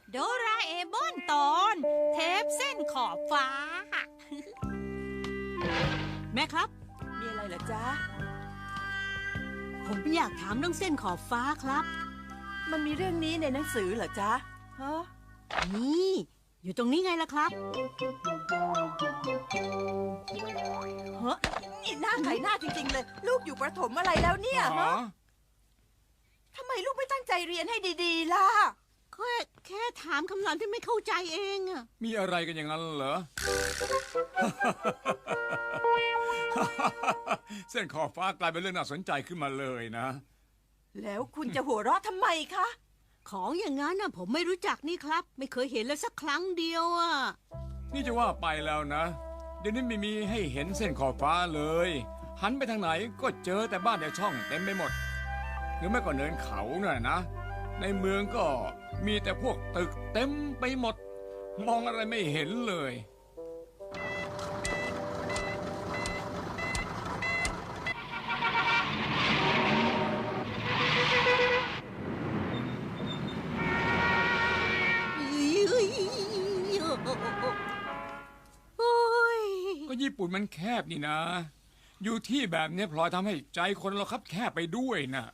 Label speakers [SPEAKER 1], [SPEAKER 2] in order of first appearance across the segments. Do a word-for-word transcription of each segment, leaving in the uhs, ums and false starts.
[SPEAKER 1] โดราเอมอนตอนเทปเส้นขอบฟ้า
[SPEAKER 2] แม่ครับ
[SPEAKER 3] มีอะไรเหรอจ๊ะ
[SPEAKER 2] ผมอยากถามเรื่องเส้นขอบฟ้าครับ
[SPEAKER 3] มันมีเรื่องนี้ในหนังสือเหรอจ๊ะฮะ
[SPEAKER 2] นี่อยู่ตรงนี้ไงล่ะครับ
[SPEAKER 3] เฮ้ยนี่หน้าไข่หน้าจริงๆเลยลูกอยู่ประถมอะไรแล้วเนี่ยฮะทำไมลูกไม่ตั้งใจเรียนให้ดีๆล่ะ
[SPEAKER 2] แค่แค่ถามคำถามที่ไม่เข้าใจเองอะ
[SPEAKER 4] มีอะไรกันอย่างนั้นเหรอ เส้นขอบฟ้ากลายเป็นเรื่องน่าสนใจขึ้นมาเลยนะ
[SPEAKER 3] แล้วคุณจะหัวเราะทำไมคะ
[SPEAKER 2] ของอย่างนั้นน่ะผมไม่รู้จักนี่ครับไม่เคยเห็นเลยสักครั้งเดียวอ่ะ
[SPEAKER 4] นี่จะว่าไปแล้วนะเดี๋ยวนี้ไม่มีให้เห็นเส้นขอบฟ้าเลยหันไปทางไหนก็เจอแต่บ้านแต่ช่องเต็มไปหมดหรือไม่ก็เนินเขาน่ะนะในเมืองก็มีแต่พวกตึกเต็มไปหมดมองอะไรไม่เห็นเลยก็ญี่ปุ่นมันแคบนี่นะอยู่ที่แบบนี้พลอยทำให้ใจคนเราคับแคบไปด้วยนะ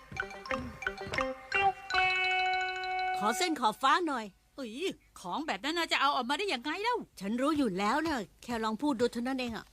[SPEAKER 2] ขอเส้นขอบฟ้าหน่อย
[SPEAKER 1] เอ้ยของแบบนั้นจะเอาออกมาได้ยังไงเล่า
[SPEAKER 2] ฉันรู้อยู่แล้วนะแค่ลองพูดดูเท่านั้นเองอะ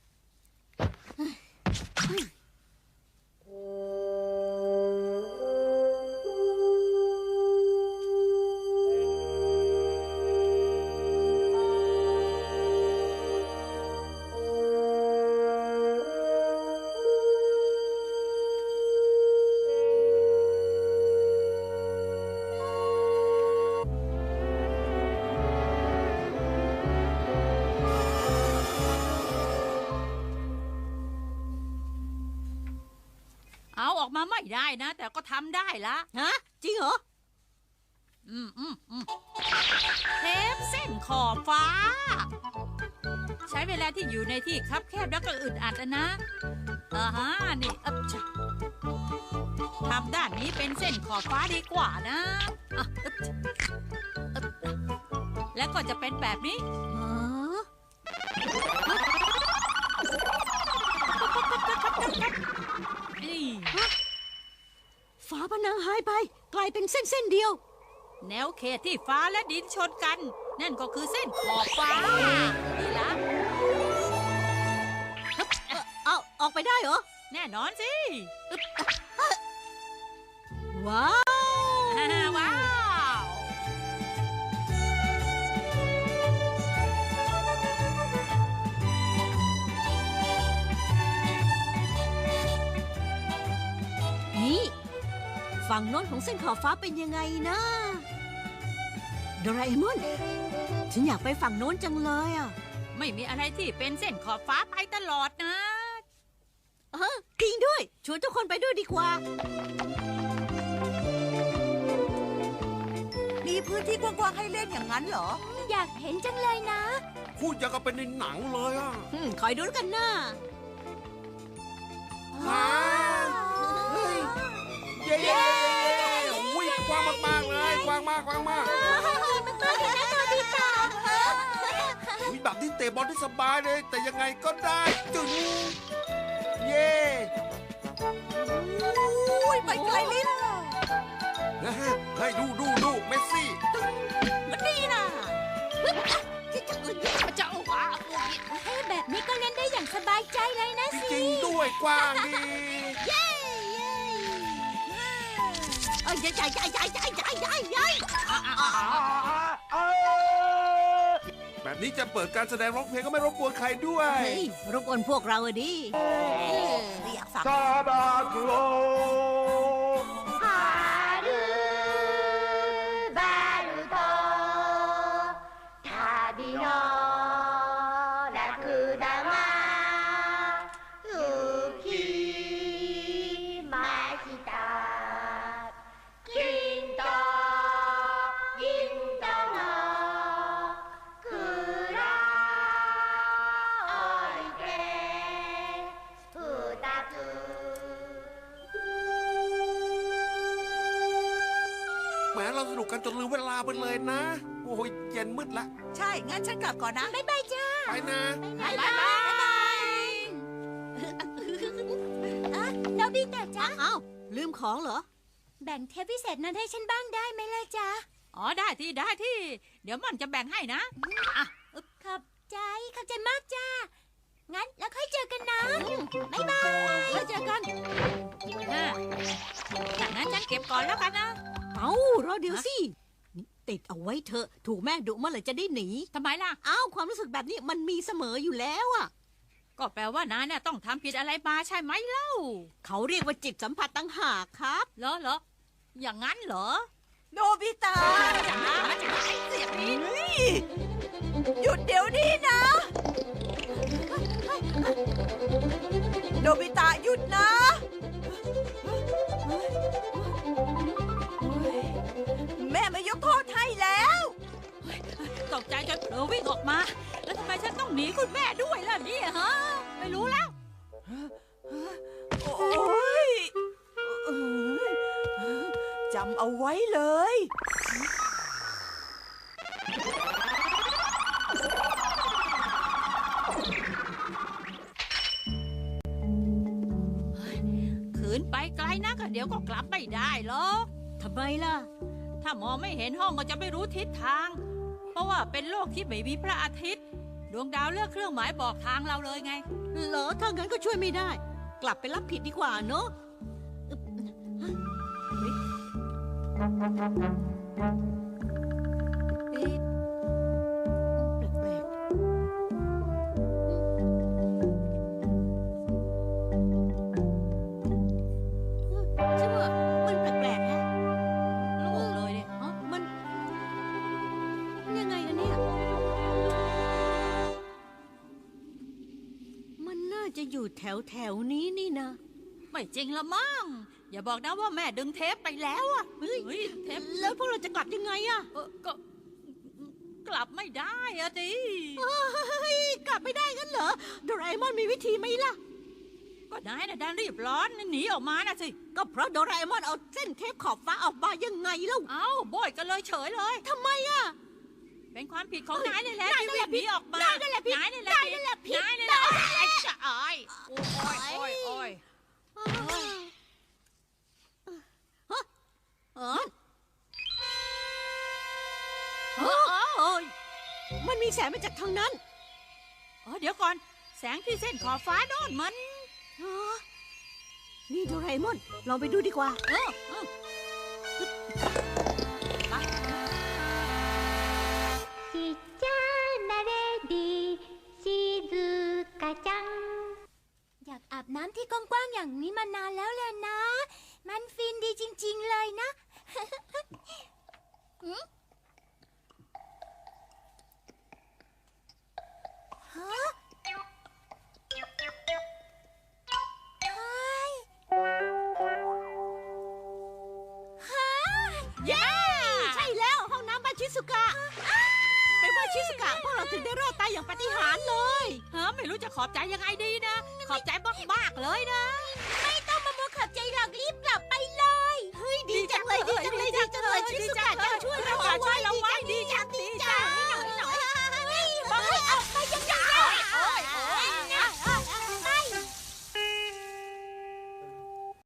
[SPEAKER 1] เอาออกมาไม่ได้นะแต่ก็ทำได้ละ
[SPEAKER 2] ฮะจริงเหรอ
[SPEAKER 1] อืมอืมอืมเทปเส้นขอบฟ้าใช้เวลาที่อยู่ในที่คับแคบแล้วก็อึดอัดนะอ่าฮะนี่อับทำด้านนี้เป็นเส้นขอบฟ้าดีกว่านะแล้วก็จะเป็นแบบนี้
[SPEAKER 2] ฝาผนังหายไปกลายเป็นเส้นเส้นเดียว
[SPEAKER 1] แนวเขตที่ฟ้าและดินชนกันนั่นก็คือเส้นขอบฟ้านี่ละ
[SPEAKER 2] เอาออกไปได้เหรอ
[SPEAKER 1] แน่นอนสิ
[SPEAKER 2] ว้าว
[SPEAKER 1] ว้าว
[SPEAKER 2] นี่ฝั่งโน้นของเส้นขอบฟ้าเป็นยังไงนะโดราเอมอนฉันอยากไปฝั่งโน้นจังเลยอ่ะ
[SPEAKER 1] ไม่มีอะไรที่เป็นเส้นขอบฟ้าไปตลอดนะ
[SPEAKER 2] เออจริงด้วยชวนทุกคนไปด้วยดีกว่า
[SPEAKER 3] มีพื้นที่กว้างๆให้เล่นอย่างนั้นเหรอ
[SPEAKER 5] อยากเห็นจังเลยนะ
[SPEAKER 6] พูดอย่างกับเป็นในหนังเลยอ่ะ
[SPEAKER 2] คอยดูแล้วกันนะ
[SPEAKER 6] เย้เย้วิ่งกว้างมากๆเลยกว้างมากกว้างมาก
[SPEAKER 5] มันตัวใหญ่นะตัวดีต่อ
[SPEAKER 6] วิ่งแบบที่เตะบอลที่สบายเลยแต่ยังไงก็ได้จึงเย้
[SPEAKER 3] อุ้ยไปไกลลิ้น
[SPEAKER 6] เฮ้ยดูดูดูเมสซี่
[SPEAKER 3] มันดีนะ
[SPEAKER 5] ที่จะอื่นมันจะเอาหวาเฮ้แบบนี้ก็เล่นได้อย่างสบายใจเลยนะสิ
[SPEAKER 6] จริงด้วยกว้างดี
[SPEAKER 5] เย้
[SPEAKER 2] เอ้ยใหญ่ใหญ่ใหญ่ใหญ่ใหญ่ใหญ่ใหญ่ใหญ่
[SPEAKER 6] แบบนี้จะเปิดการแสดงร้องเพลงก็ไม่รบกวนใครด้วย
[SPEAKER 2] รบกวนพวกเราอะดิ
[SPEAKER 3] เรียกสับ
[SPEAKER 6] จนลืมเวลาไปเลยนะ โอ้ยเย็นมืดละ
[SPEAKER 3] ใช่งั้นฉันกลับก่อนนะ
[SPEAKER 5] บ๊ายบายจ้า
[SPEAKER 6] ไปนะ
[SPEAKER 1] บายบายบาย
[SPEAKER 5] อ่ะโนบิตะจ้า
[SPEAKER 2] อ้าวลืมของเหรอ
[SPEAKER 5] แบ่งเทปพิเศษนั้นให้ฉันบ้างได้ไหมล่ะจ๊ะ
[SPEAKER 1] อ๋อได้ที่ได้ที่ เดี๋ยวมันจะแบ่งให้นะ
[SPEAKER 5] ขอบใจขอบใจมากจ้างั้นแล้วค่อยเจอกันนะบ๊ายบาย
[SPEAKER 2] แล้วเจอกัน
[SPEAKER 1] อ่ะจากนั้นฉันเก็บก่อนแล้วกันนะ
[SPEAKER 2] เอารอเดี๋ยวสินี่ติดเอาไว้เถอะถูกแม่ดุเมื่อไหร่จะได้หนี
[SPEAKER 1] ทำไมล่ะ
[SPEAKER 2] อ้าวความรู้สึกแบบนี้มันมีเสมออยู่แล้วอะ
[SPEAKER 1] ก็แปลว่านายเนี่ยต้องทำผิดอะไรมาใช่ไหมเล่า
[SPEAKER 2] เขาเรียกว่าจิตสัมผัสตั้งหากครับ
[SPEAKER 1] เหรอเหรออย่างนั้นเหรอ
[SPEAKER 3] โนบิตะ
[SPEAKER 1] จ๋าจ๋าเสียงนี้
[SPEAKER 3] เฮ้ยหยุดเดี๋ยวนี้นะ โนบิตะหยุดนะ แม่ไม่ยกโทษให้แล้ว
[SPEAKER 1] ตกใจจนเผลอวิ่งออกมา แล้วทำไมฉันต้องหนีคุณแม่ด้วยล่ะเนี่ยฮะ ไม่รู้แล้ว
[SPEAKER 3] โอ้ยเอ้ยจำเอาไว้เลย
[SPEAKER 1] ขืนไปไกลนะก็เดี๋ยวก็กลับไม่ได้หรอก
[SPEAKER 2] ทำไมล่ะ
[SPEAKER 1] ถ้ามองไม่เห็นห้องก็จะไม่รู้ทิศทาง เพราะว่าเป็นโลกที่ไม่มีพระอาทิตย์ ดวงดาวเลือกเครื่องหมายบอกทางเราเลยไง
[SPEAKER 2] เหรอถ้างั้นก็ช่วยไม่ได้ กลับไปรับผิดดีกว่าเนอะเอ๊ะแปลกๆใช่ว่ามันแปลกๆฮะ
[SPEAKER 1] โล่งเลยเนี่ย
[SPEAKER 2] อ๋อมันยังไงนะเนี่ย มันน่าจะอยู่แถวแถวๆนี้นี่นะ
[SPEAKER 1] ไม่จริงละมั้ง อย่าบอกนะว่าแม่ดึงเทปไปแล้วอะเฮ้ยเทป
[SPEAKER 2] แล้วพวกเราจะกลับยังไงอะ
[SPEAKER 1] เออก็กลับไม่ได้อะดิ
[SPEAKER 2] เฮ้ยกลับไม่ได้งั้นเหรอโดราเอมอนมีวิธีไหมล่ะ
[SPEAKER 1] ก็นายน่ะดันรีบร้อนหนีออกมานะสิ
[SPEAKER 2] ก็เพราะโดราเอมอนเอาเส้นเทปขอบฟ้าออกมายังไงเล่า
[SPEAKER 1] เอ้าโบยกันเลยเฉยเลย
[SPEAKER 2] ทำไมอะ
[SPEAKER 1] เป็นความผิดของนายนี่แหละ
[SPEAKER 2] นาย
[SPEAKER 1] ที่
[SPEAKER 2] นั่นแห
[SPEAKER 1] วิ่
[SPEAKER 2] ละ
[SPEAKER 1] งหนีออกมา
[SPEAKER 2] นายนั่นแหละผิด
[SPEAKER 1] นายนี่แหละ
[SPEAKER 2] นายนั่นแหละผิด
[SPEAKER 1] นายนี่แหละไอ้จะอายโอ้ยโอ้ยโอ้ย
[SPEAKER 2] เออ
[SPEAKER 1] เออเออเออ
[SPEAKER 2] มันมีแสงมาจากทางนั้น
[SPEAKER 1] เออเดี๋ยวก่อน แสงที่เส้นขอบฟ้าโน่นมัน
[SPEAKER 2] ฮะนี่โดราเอมอนลองไปดูดีกว่า
[SPEAKER 1] เออเออไป
[SPEAKER 5] ちっちゃなレディ静かちゃんอยากอาบน้ำที่กว้างๆอย่างนี้มานานแล้วแหละนะ มันฟินดีจริงๆเลยนะ หืมฮะเฮ้ยฮะ
[SPEAKER 1] เย้
[SPEAKER 2] ใช่แล้วห้องน้ำบ้านชิสุกะเป็นว่าชิสุกะพวกเราถึงได้รอดตายอย่างปาฏิหาริย์เลย
[SPEAKER 1] ฮะไม่รู้จะขอบใจยังไงดีนะ ขอบใจมากๆเลยนะ
[SPEAKER 5] ไม่ต้องมามัวขับใจหรอกรีบกลับ